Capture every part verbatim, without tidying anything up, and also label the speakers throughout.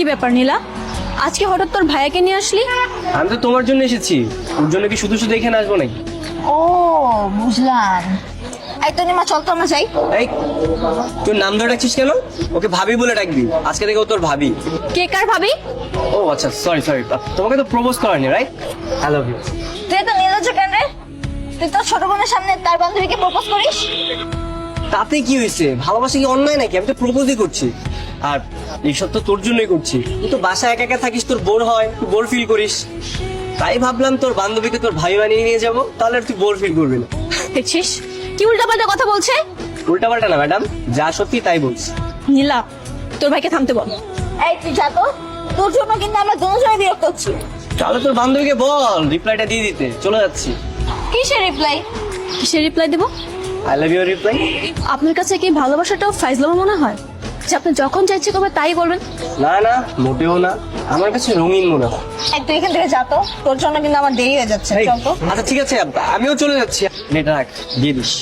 Speaker 1: কি ব্যাপার নীলা, আজকে হঠাৎ তোর ভাইয়াকে নিয়ে আসলি?
Speaker 2: আমি তো তোমার জন্য এসেছি, ওর জন্য কি শুধু শুধু এখানে আসবো নাকি?
Speaker 3: ও বুঝলাম। এই তো নিমা, চল তো আমরা যাই।
Speaker 2: এই তোর নাম ধরে ডাকছিস কেন? ওকে ভাবি বলে ডাকবি, আজকে থেকে ও তোর ভাবি।
Speaker 1: কে কার ভাবি?
Speaker 2: ও আচ্ছা, সরি সরি, তোমাকে তো প্রপোজ করেনি, রাইট? I love you.
Speaker 3: তুই তো নির্লজ্জ কেন রে? তুই তোর ছোট বোনের সামনে তার বান্ধবীকে প্রপোজ করিস?
Speaker 2: তাতে কি হয়েছে? ভালোবাসা কি অন্যায় নাকি? আমি তো প্রপোজই করছি। আর এইসব তো তোর জন্যই করছি। তুই তো বাসায় একা একা থাকিস, তোর বোর হয়, তুই বোর ফিল করিস। তাই ভাবলাম তোর বান্ধবীকে তোর ভাই বানিয়ে নিয়ে যাবো, তাহলে আর তুই বোর ফিল করবি না।
Speaker 1: দেখছিস কি উল্টাপাল্টা কথা বলছে?
Speaker 2: উল্টাপাল্টা না ম্যাডাম, যা সত্যি তাই বলছি।
Speaker 1: নীলা, তোর ভাইকে থামতে বল।
Speaker 3: এই তুই যা তো, তোর জন্য কিন্তু আমরা দুজনে বিরক্ত হচ্ছি।
Speaker 2: তাহলে তোর বান্ধবীকে বল রিপ্লাইটা দিয়ে দিতে, চলে যাচ্ছি।
Speaker 3: কিসের রিপ্লাই?
Speaker 1: কিসের রিপ্লাই দেবো?
Speaker 2: I love you reply.
Speaker 1: আপনার কাছে কি ভালোবাসাটাও ফাইজলামো মনে হয় যে আপনি যখন চাইছে কবে তাই বলবেন?
Speaker 2: না না, মোটেও না, আমার কাছে রঙিন মনে হয়।
Speaker 3: এই তুই এখান থেকে যা তো, তোর জন্য কিন্তু আমার দেরি হয়ে যাচ্ছে।
Speaker 2: এই,
Speaker 3: চল তো।
Speaker 2: আচ্ছা ঠিক আছে, আমিও চলে যাচ্ছি। নেটা রাখ, দিয়ে দিস।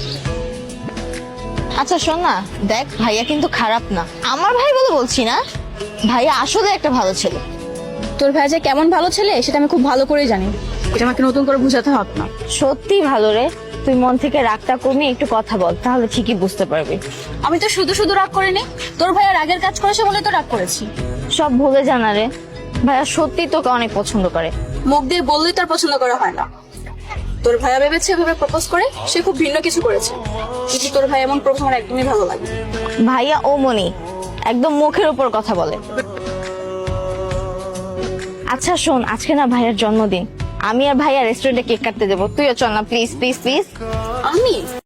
Speaker 3: আচ্ছা শোন না, দেখ ভাইয়া কিন্তু খারাপ না, আমার ভাই বলে বলছি না, ভাইয়া আসলে একটা ভালো ছেলে।
Speaker 1: তোর ভাই যে কেমন ভালো ছেলে সেটা আমি খুব ভালো করেই জানি, এটা আমাকে নতুন করে বুঝাতে হবে না।
Speaker 3: সত্যি ভালো রে, তুই মন থেকে রাগটা কমিয়ে একটু কথা বল, তাহলে ঠিকই বুঝতে পারবি।
Speaker 1: আমি তো শুধু শুধু রাগ করিনি, তোর ভাইয়া রাগের কাজ করেছে বলে তো রাগ করেছি।
Speaker 3: সব ভুলে জানা রে, ভাইয়া সত্যি তোকে অনেক পছন্দ করে।
Speaker 1: মুখ দিয়ে বললেই তার পছন্দ করা হয় না। তোর ভাইয়া ভেবেছে এভাবে প্রপোজ করে সে খুব ভিন্ন কিছু করেছে, কিন্তু তোর ভাই এমন প্রপোজ আমার একদমই ভালো লাগে।
Speaker 3: ভাইয়া ও মনি একদম মুখের উপর কথা বলে। আচ্ছা শোন, আজকে না ভাইয়ার জন্মদিন, আমি আর ভাইয়া রেস্টুরেন্টে কেক কাটতে দেবো, তুইও চল না প্লিজ প্লিজ প্লিজ।
Speaker 1: আমি